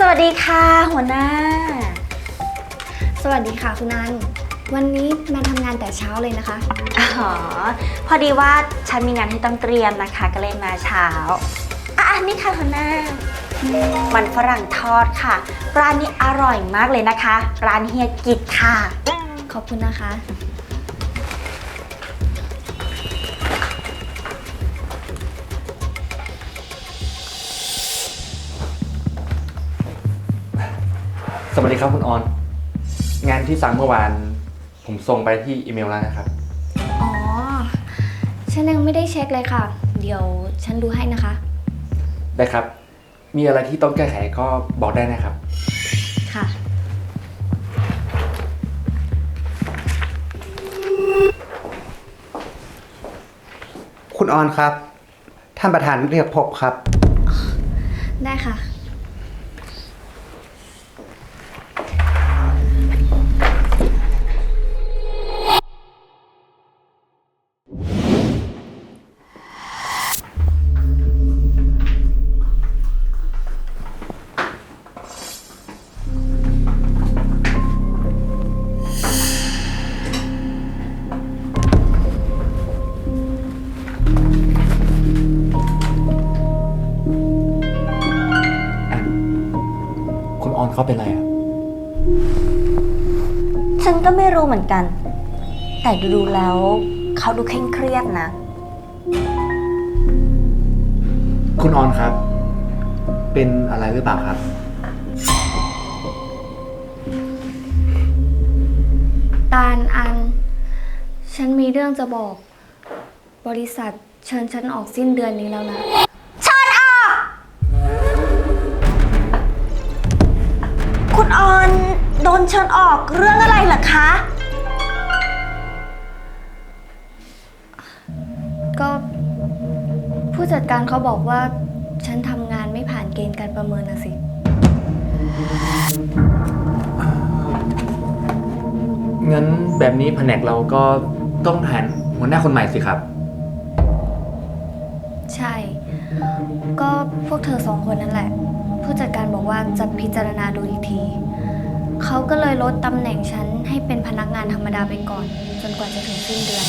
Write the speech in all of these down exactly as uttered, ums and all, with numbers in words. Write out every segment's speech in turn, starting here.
วัสดีค่ะหัวหน้าสวัสดีค่ะคุณนันวันนี้มาทำงานแต่เช้าเลยนะคะอ๋อพอดีว่าฉันมีงานที่ต้องเตรียมนะคะก็เลยมาเช้าอ่ะนี่ค่ะหัวหน้ามันฝรั่งทอดค่ะร้านนี้อร่อยมากเลยนะคะร้านเฮียกิจค่ะขอบคุณนะคะสวัสดีครับคุณออนงานที่สั่งเมื่อวานผมส่งไปที่อีเมลแล้วนะครับอ๋อฉันยังไม่ได้เช็คเลยค่ะเดี๋ยวฉันดูให้นะคะได้ครับมีอะไรที่ต้องแก้ไขก็บอกได้นะครับค่ะคุณออนครับท่านประธานเรียกพบครับได้ค่ะคุณออนเขาเป็นอะไรอ่ะฉันก็ไม่รู้เหมือนกันแต่ดูๆแล้วเขาดูเคร่งเครียดนะคุณออนครับเป็นอะไรหรือเปล่าครับตาลอันฉันมีเรื่องจะบอกบริษัทเชิญฉันออกสิ้นเดือนนี้แล้วนะเชิญออกคุณออนโดนเชิญออกเรื่องอะไรเหรอคะก็ผู้จัดการเขาบอกว่าฉันทำงานไม่ผ่านเกณฑ์การประเมินนะสิงั้นแบบนี้แผนกเราก็ต้องหาหัวหน้าคนใหม่สิครับใช่ก็พวกเธอสองคนนั่นแหละผู้จัดการบอกว่าจะพิจารณาดูอีกทีเขาก็เลยลดตำแหน่งฉันให้เป็นพนักงานธรรมดาไปก่อนจนกว่าจะถึงสิ้นเดือน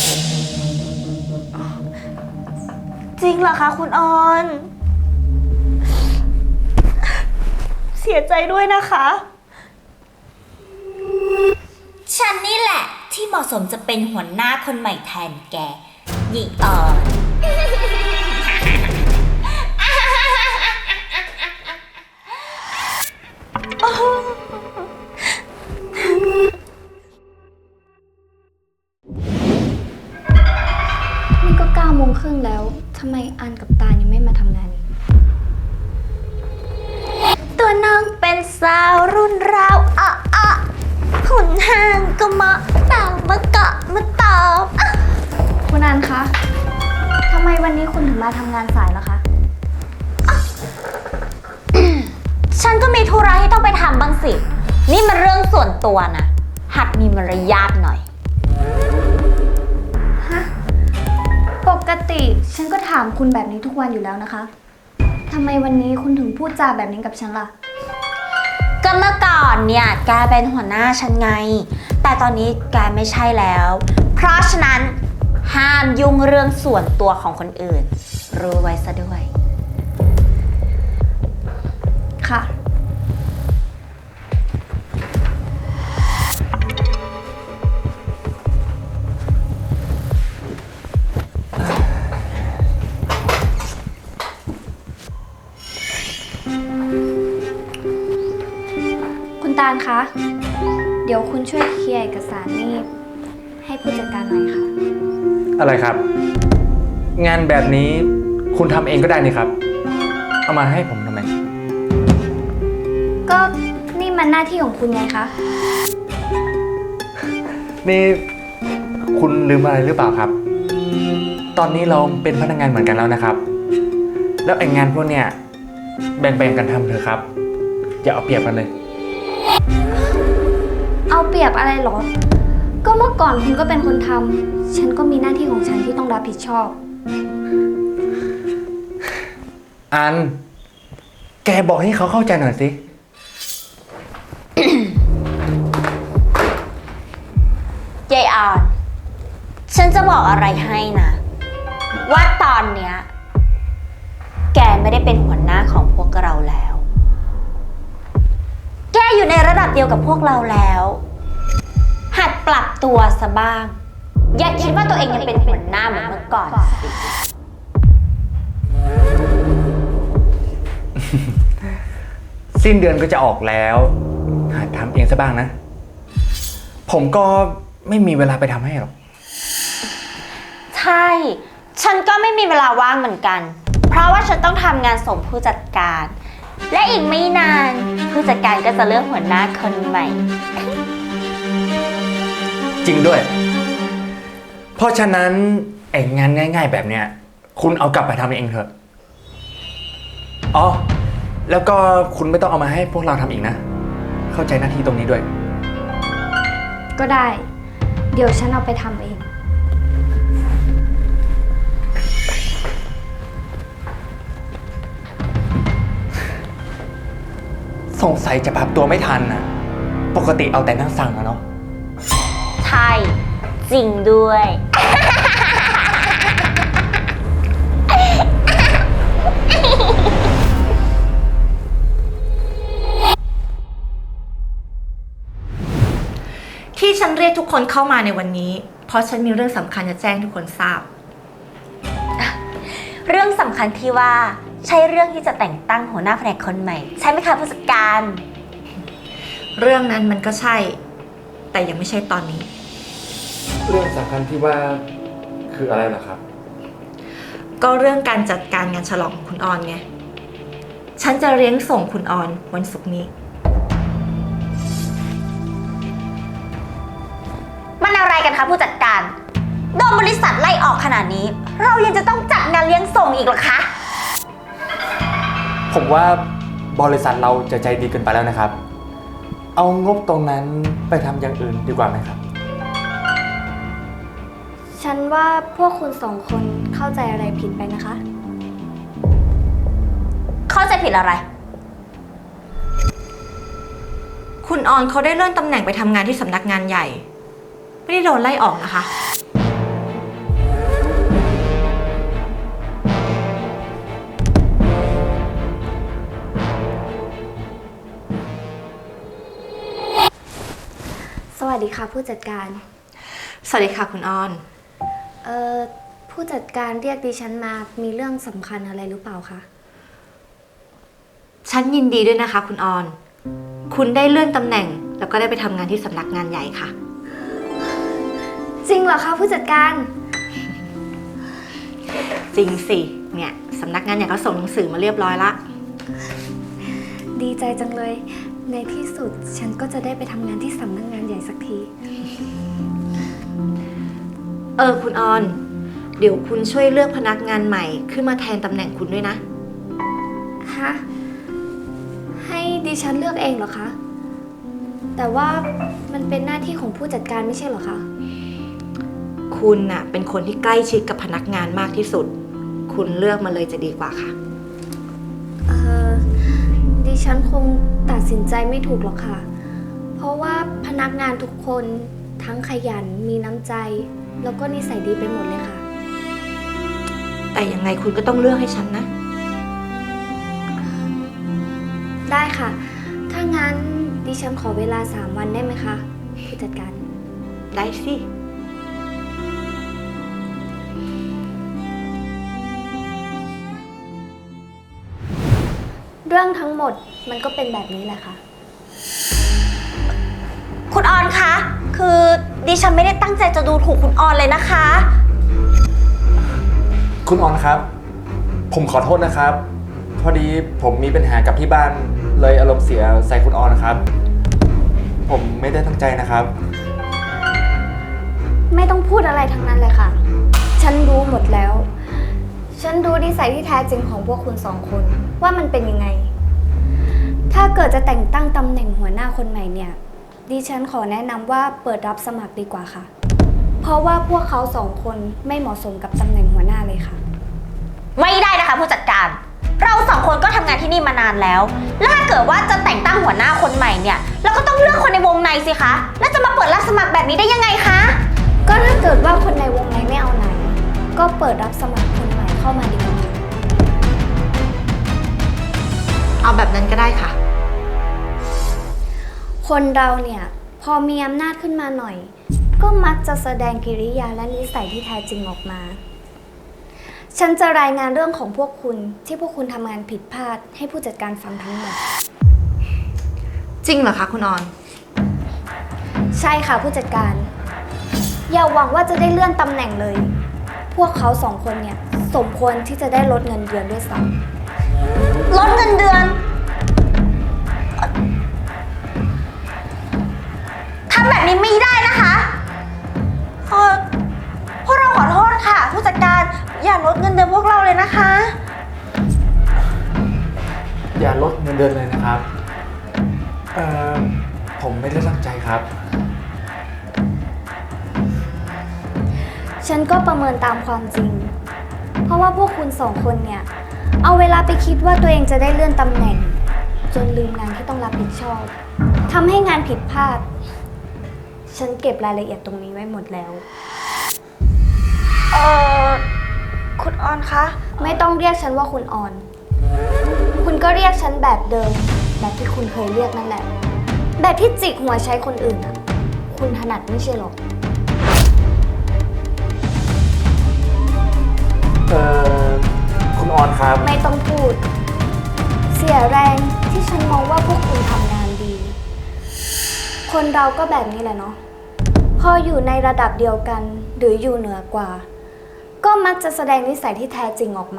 จริงเหรอคะคุณออนเสียใจด้วยนะคะฉันนี่แหละที่เหมาะสมจะเป็นหัวหน้าคนใหม่แทนแกหญิงออนนี่ก็เก้าโมงครึ่งแล้วทำไมอันกับตาลยังไม่มาทำงานอีกตัวน้องเป็นสาวรุ่นราวอ่ะอ่ะหุ่นห่างก็มาตามมาเกาะมาตอบคุณอันคะทำไมวันนี้คุณถึงมาทำงานสายล่ะคะฉันก็มีธุระที่ต้องไปทำบ้างสินี่มันเรื่องส่วนตัวนะหัดมีมารยาทหน่อยฮะปกติฉันก็ถามคุณแบบนี้ทุกวันอยู่แล้วนะคะทำไมวันนี้คุณถึงพูดจาแบบนี้กับฉันล่ะก็เมื่อก่อนเนี่ยแกเป็นหัวหน้าฉันไงแต่ตอนนี้แกไม่ใช่แล้วเพราะฉะนั้นห้ามยุ่งเรื่องส่วนตัวของคนอื่นรู้ไว้ซะด้วยค่ะคุณตาลคะเดี๋ยวคุณช่วยเคลียร์เอกสารนี่ให้ผู้จัดการหน่อยค่ะอะไรครับงานแบบนี้คุณทำเองก็ได้นี่ครับเอามาให้ผมทำไมก็นี่มันหน้าที่ของคุณไงคะนี่คุณลืมอะไรหรือเปล่าครับตอนนี้เราเป็นพนักงานเหมือนกันแล้วนะครับแล้วไอ้งานพวกเนี้ยแบ่งๆกันทำเถอะครับอย่าเอาเปรียบกันเลยเอาเปรียบอะไรหรอก็เมื่อก่อนคุณก็เป็นคนทำฉันก็มีหน้าที่ของฉันที่ต้องรับผิดชอบอันแกบอกให้เขาเข้าใจหน่อยสิยายออน ฉันจะบอกอะไรให้นะ ว่าตอนเนี้ยแกไม่ได้เป็นหัวหน้าของพวกเราแล้ว แกอยู่ในระดับเดียวกับพวกเราแล้ว หัดปรับตัวซะบ้าง อย่าคิดว่าตัวเองยังเป็นหัวหน้าเหมือนเมื่อก่อนสิสิ้นเดือนก็จะออกแล้วหัดทำเองซะบ้างนะ ผมก็ไม่มีเวลาไปทำให้หรอกใช่ ฉันก็ไม่มีเวลาว่างเหมือนกัน เพราะว่าฉันต้องทำงานส่งผู้จัดการ และอีกไม่นานผู้จัดการก็จะเลือกหัวหน้าคนใหม่จริงด้วย เพราะฉะนั้นไอ้งานง่ายๆแบบเนี้ยคุณเอากลับไปทำเองเถอะ อ๋อ แล้วก็คุณไม่ต้องเอามาให้พวกเราทำอีกนะ เข้าใจหน้าที่ตรงนี้ด้วยก็ได้ เดี๋ยวฉันเอาไปทำเองสงสัยจะปรับตัวไม่ทันนะปกติเอาแต่นั่งสั่งอะเนาะใช่ จริงด้วยที่ฉันเรียกทุกคนเข้ามาในวันนี้ เพราะฉันมีเรื่องสำคัญจะแจ้งทุกคนทราบเรื่องสำคัญที่ว่าใช่เรื่องที่จะแต่งตั้งหัวหน้าแผนกคนใหม่ ใช่ไหมคะผู้จัดการเรื่องนั้นมันก็ใช่ แต่ยังไม่ใช่ตอนนี้เรื่องสำคัญที่ว่าคืออะไรล่ะครับก็เรื่องการจัดการงานฉลองของคุณออนไง ฉันจะเลี้ยงส่งคุณออนวันศุกร์นี้มันอะไรกันคะผู้จัดการโดนบริษัทไล่ออกขนาดนี้ เรายังจะต้องจัดงานเลี้ยงส่งอีกเหรอคะผมว่าบริษัทเราจะใจดีเกินไปแล้วนะครับ เอางบตรงนั้นไปทำอย่างอื่นดีกว่าไหมครับฉันว่าพวกคุณสองคนเข้าใจอะไรผิดไปนะคะเข้าใจผิดอะไรคุณออนเขาได้เลื่อนตำแหน่งไปทำงานที่สำนักงานใหญ่ ไม่ได้โดนไล่ออกนะคะสวัสดีค่ะผู้จัดการสวัสดีค่ะคุณออนเอ่อ ผู้จัดการเรียกดิฉันมามีเรื่องสำคัญอะไรหรือเปล่าคะฉันยินดีด้วยนะคะ คุณออน คุณได้เลื่อนตำแหน่ง แล้วก็ได้ไปทำงานที่สำนักงานใหญ่ค่ะจริงเหรอคะผู้จัดการจริงสิ เนี่ยสำนักงานใหญ่เขาส่งหนังสือมาเรียบร้อยละดีใจจังเลย ในที่สุดฉันก็จะได้ไปทำงานที่สำนักงานใหญ่สักทีเออคุณออน เดี๋ยวคุณช่วยเลือกพนักงานใหม่ขึ้นมาแทนตำแหน่งคุณด้วยนะฮะ ให้ดิฉันเลือกเองเหรอคะ แต่ว่ามันเป็นหน้าที่ของผู้จัดการไม่ใช่เหรอคะคุณน่ะเป็นคนที่ใกล้ชิดกับพนักงานมากที่สุด คุณเลือกมาเลยจะดีกว่าค่ะเออดิฉันคงตัดสินใจไม่ถูกหรอกค่ะ เพราะว่าพนักงานทุกคนทั้งขยันมีน้ำใจ แล้วก็นิสัยดีไปหมดเลยค่ะแต่ยังไงคุณก็ต้องเลือกให้ฉันนะได้ค่ะ ถ้างั้นดิฉันขอเวลาสามวันได้ไหมคะผู้จัดการได้สิเรื่องทั้งหมดมันก็เป็นแบบนี้แหละค่ะคุณออนคะ คือดิฉันไม่ได้ตั้งใจจะดูถูกคุณออนเลยนะคะคุณออนครับ ผมขอโทษนะครับ พอดีผมมีปัญหากับที่บ้านเลยอารมณ์เสียใส่คุณออนนะครับ ผมไม่ได้ตั้งใจนะครับไม่ต้องพูดอะไรทั้งนั้นเลยค่ะ ฉันรู้หมดแล้ว ฉันรู้นิสัยที่แท้จริงของพวกคุณสองคนว่ามันเป็นยังไง ถ้าเกิดจะแต่งตั้งตำแหน่งหัวหน้าคนใหม่เนี่ย ดิฉันขอแนะนำว่าเปิดรับสมัครดีกว่าค่ะ เพราะว่าพวกเขาสองคนไม่เหมาะสมกับตำแหน่งหัวหน้าเลยค่ะไม่ได้นะคะผู้จัดการ เราสองคนก็ทำงานที่นี่มานานแล้ว แล้วถ้าเกิดว่าจะแต่งตั้งหัวหน้าคนใหม่เนี่ย เราก็ต้องเลือกคนในวงในสิคะ แล้วจะมาเปิดรับสมัครแบบนี้ได้ยังไงคะก็ถ้าเกิดว่าคนในวงในไม่เอาไหน ก็เปิดรับสมัครคนใหม่เข้ามาดีกว่าเอาแบบนั้นก็ได้ค่ะคนเราเนี่ยพอมีอำนาจขึ้นมาหน่อย ก็มักจะแสดงกิริยาและนิสัยที่แท้จริงออกมา ฉันจะรายงานเรื่องของพวกคุณที่พวกคุณทำงานผิดพลาดให้ผู้จัดการฟังทั้งหมดจริงเหรอคะคุณออนใช่ค่ะผู้จัดการ อย่าหวังว่าจะได้เลื่อนตำแหน่งเลย พวกเขาสองคนเนี่ยสมควรที่จะได้ลดเงินเดือนด้วยซ้ลดเงินเดือนทำแบบนี้ไม่ได้นะคะเออพวกเราขอโทษค่ะ ผู้จัดการอย่าลดเงินเดือนพวกเราเลยนะคะอย่าลดเงินเดือนเลยนะครับ เอ่อ ผมไม่ได้ตั้งใจครับำฉันก็ประเมินตามความจริง เพราะว่าพวกคุณสองคนเนี่ยเอาเวลาไปคิดว่าตัวเองจะได้เลื่อนตำแหน่ง จนลืมงานที่ต้องรับผิดชอบทำให้งานผิดพลาด ฉันเก็บรายละเอียดตรงนี้ไว้หมดแล้วเออคุณออนคะไม่ต้องเรียกฉันว่าคุณออน คุณก็เรียกฉันแบบเดิม แบบที่คุณเคยเรียกนั่นแหละ แบบที่จิกหัวใช้คนอื่นอะคุณถนัดไม่ใช่หรอกเอ่อ คุณออนครับไม่ต้องพูด เสียแรงที่ฉันมองว่าพวกคุณทำงานดี คนเราก็แบบนี้แหละเนาะ พออยู่ในระดับเดียวกันหรืออยู่เหนือกว่า ก็มักจะแสดงนิสัยที่แท้จริงออกมา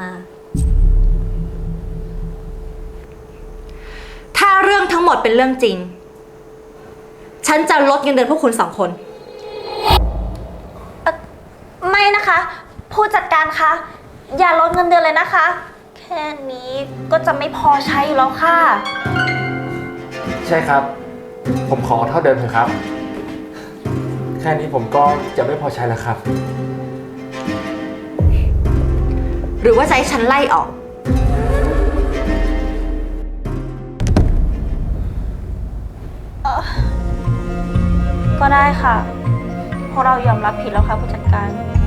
ถ้าเรื่องทั้งหมดเป็นเรื่องจริง ฉันจะลดเงินเดือนพวกคุณสองคนไม่นะคะ ผู้จัดการคะอย่าลดเงินเดือนเลยนะคะ แค่นี้ก็จะไม่พอใช้อยู่แล้วค่ะใช่ครับ ผมขอเท่าเดิมเถอะครับ แค่นี้ผมก็จะไม่พอใช้แล้วครับหรือว่าจะให้ฉันไล่ออกก็ได้ค่ะเพราะเรายอมรับผิดแล้วค่ะผู้จัดการ